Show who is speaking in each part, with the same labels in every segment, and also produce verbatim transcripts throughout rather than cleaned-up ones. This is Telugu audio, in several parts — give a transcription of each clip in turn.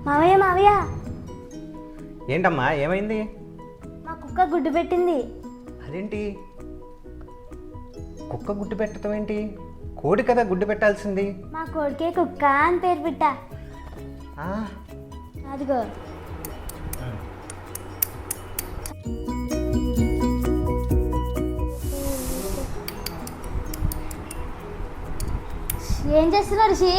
Speaker 1: మావయ్య మావయ్య
Speaker 2: ఏంటమ్మా ఏమైంది?
Speaker 1: మా కుక్క గుడ్డు పెట్టింది.
Speaker 2: అదేంటి కుక్క గుడ్డు పెట్టడం ఏంటి? కోడి కదా గుడ్డు పెట్టాల్సింది.
Speaker 1: మా కోడికే కుక్క అని పేరు పెట్టా.
Speaker 2: ఆ,
Speaker 1: అదిగో ఏం చేస్తున్నారు రిషి?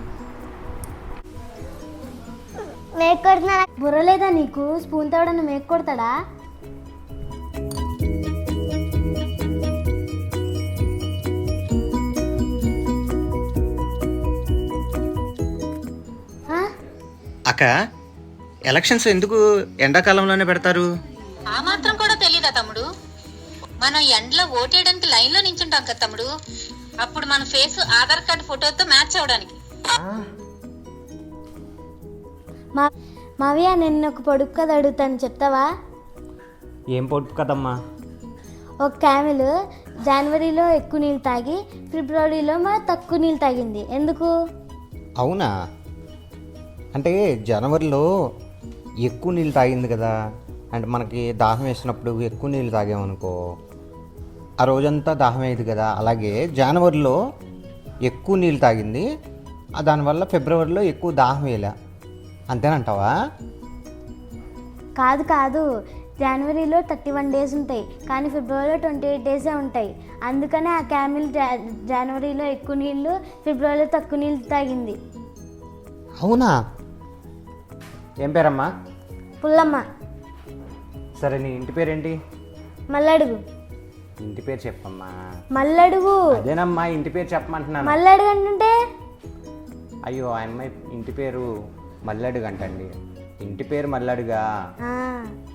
Speaker 1: మేక్ కొడుతున్నా. బుర్ర లేదా నీకు? స్పూన్ తోడని మేక్ కొడతాడా? ఆ?
Speaker 2: అక్క ఎలక్షన్స్ ఎందుకు ఎండాకాలంలోనే పెడతారు?
Speaker 3: ఆ మాత్రం కూడా తెలీదా తమ్ముడు? మనం ఎండలో ఓటేయడానికి లైన్ లో నించుంటాం కదా తమ్ముడు. అప్పుడు మన ఫేస్ ఆధార్ కార్డు ఫోటోతో మ్యాచ్ అవడానికి.
Speaker 1: మా మావయ్య నేను ఒక పొడుపు కథ అడుగుతాను, చెప్తావా?
Speaker 2: ఏం పొడుపు కదమ్మా?
Speaker 1: ఒక క్యామెల్ జనవరిలో ఎక్కువ నీళ్ళు తాగి ఫిబ్రవరిలో మా తక్కువ నీళ్ళు తాగింది. ఎందుకు?
Speaker 2: అవునా? అంటే జనవరిలో ఎక్కువ నీళ్ళు తాగింది కదా, అంటే మనకి దాహం వేసినప్పుడు ఎక్కువ నీళ్ళు తాగామనుకో ఆ రోజంతా దాహం అయ్యేది కదా. అలాగే జనవరిలో ఎక్కువ నీళ్ళు తాగింది, దానివల్ల ఫిబ్రవరిలో ఎక్కువ దాహం వేయలే. అంతేనంటావా?
Speaker 1: కాదు కాదు, జనవరిలో థర్టీ వన్ డేస్ ఉంటాయి కానీ ఫిబ్రవరిలో ట్వంటీ ఎయిట్ డేసే ఉంటాయి. అందుకనే ఆ క్యామిల్ జనవరిలో ఎక్కువ నీళ్ళు ఫిబ్రవరిలో తక్కువ నీళ్ళు తాగింది.
Speaker 2: అవునా? ఏం పేరమ్మా?
Speaker 1: పుల్లమ్మ.
Speaker 2: సరే నీ ఇంటి పేరేంటి?
Speaker 1: మల్లడుగు.
Speaker 2: ఇంటి పేరు చెప్పమ్మా.
Speaker 1: మల్లడుగు.
Speaker 2: అదేనమ్మా ఇంటి పేరు చెప్పమంటున్నాను.
Speaker 1: మల్లడుగు అంటుంటే
Speaker 2: అయ్యో ఆ అమ్మాయి ఇంటి పేరు మల్లడుగు అంటండి. ఇంటి పేరు మల్లడుగా?
Speaker 1: ఆ